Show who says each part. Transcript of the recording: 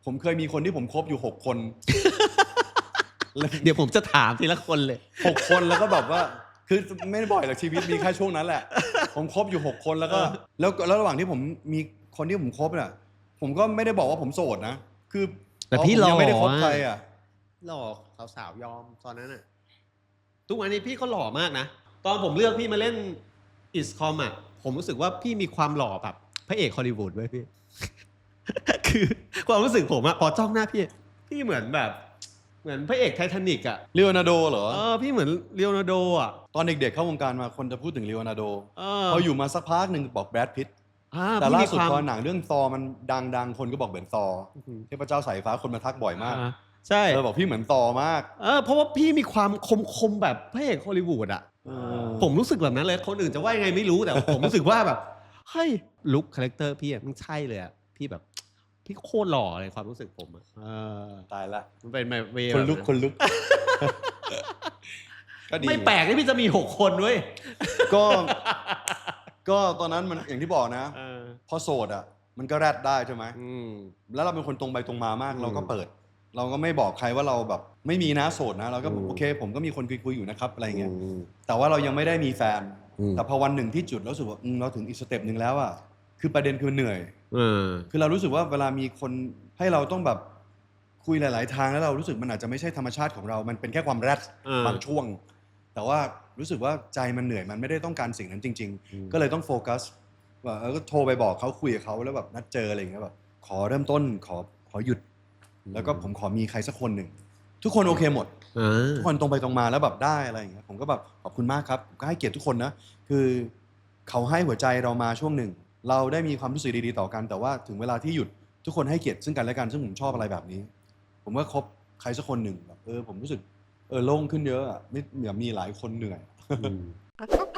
Speaker 1: ผมเคยมีคนที่ผมคบอยู่6 คน
Speaker 2: เดี๋ยวผมจะถามทีละคนเลย
Speaker 1: 6 คนแล้วก็แบบว่าคือไม่ได้บ่อยหรอกชีวิตมีแค่ช่วงนั้นแหละผมคบอยู่6 คนแล้วก็แล้วระหว่างที่ผมมีคนที่ผมคบน่ะผมก็ไม่ได้บอกว่าผมโสดนะคือ
Speaker 2: แต่พี่หล่อ
Speaker 1: ยังไม่ได้คบใครอ่ะ
Speaker 2: หล่อสาวยอมตอนนั้นน่ะทุกวันนี้พี่ก็หล่อมากนะตอนผมเลือกพี่มาเล่นอิสคอมอ่ะผมรู้สึกว่าพี่มีความหล่อแบบพระเอกฮอลลีวูดไว้พี่ คือความรู้สึกผมอะพอจ้องหน้าพี่เหมือนแบบเหมือนพระเอกไททานิกอะ
Speaker 1: เลโอนาร์โดเหรอ
Speaker 2: พี่เหมือนเลโอนาร์โดอะ
Speaker 1: ตอนเด็กๆเข้าวงการมาคนจะพูดถึงเลโอนาร์โดพออยู่มาสักพักหนึ่งบอกแบรดพิตต์แต่ล่าสุดพอหนังเรื่องซอมันดังคนก็บอกเหมือนซอเทพเจ้าสายฟ้าคนมาทักบ่อยมาก
Speaker 2: ใช่
Speaker 1: บอกพี่เหมือนซอมาก
Speaker 2: เพราะว่าพี่มีความคมแบบพระเอกฮอลลีวูดอะผมรู้สึกแบบนั้นเลยคนอื่นจะว่ายังไงไม่รู้แต่ผมรู้สึกว่าแบบเฮ้ยลุคคาแรคเตอร์พี่มันใช่เลยอะพี่แบบพี่โคตรหล่อเลยความรู้สึกผมอะ
Speaker 1: ตายละ
Speaker 2: มันเป็นแบบ
Speaker 1: คนลุกก็ดี
Speaker 2: ไม่แปลกที่พี่จะมี6 คนเว้ย
Speaker 1: ก็ตอนนั้นมันอย่างที่บอกนะพอโสดอ่ะมันก็แรดได้ใช่ไหมแล้วเราเป็นคนตรงไปตรงมามากเราก็เปิดเราก็ไม่บอกใครว่าเราแบบไม่มีนะโสดนะเราก็โอเคผมก็มีคนคุยอยู่นะครับอะไรเงี้ยแต่ว่าเรายังไม่ได้มีแฟนแต่พอวันหนึ่งที่จุดแล้วรู้สึกว่าเราถึงอีกสเต็ปนึงแล้วอ่ะคือประเด็นคือเหนื่อยคือเรารู้สึกว่าเวลามีคนให้เราต้องแบบคุยหลายๆทางแล้วเรารู้สึกมันอาจจะไม่ใช่ธรรมชาติของเรามันเป็นแค่ความแรดบางช่วงแต่ว่ารู้สึกว่าใจมันเหนื่อยมันไม่ได้ต้องการสิ่งนั้นจริงๆก็เลยต้องโฟกัสว่าก็โทรไปบอกเขาคุยกับเขาแล้วแบบนัดเจออะไรอย่างเงี้ยแบบขอเริ่มต้นขอหยุดแล้วก็ผมขอมีใครสักคนหนึ่งทุกคนโอเคหมดทุกคนตรงไปตรงมาแล้วแบบได้อะไรอย่างเงี้ยผมก็แบบขอบคุณมากครับผมก็ให้เกียรติทุกคนนะคือเขาให้หัวใจเรามาช่วงหนึ่งเราได้มีความรู้สึกดีๆต่อกันแต่ว่าถึงเวลาที่หยุดทุกคนให้เกียรติซึ่งกันและกันซึ่งผมชอบอะไรแบบนี้ผมก็คบใครสักคนหนึ่งแบบผมรู้สึกโล่งขึ้นเยอะอ่ะไม่อยากมีหลายคนเหนื่อย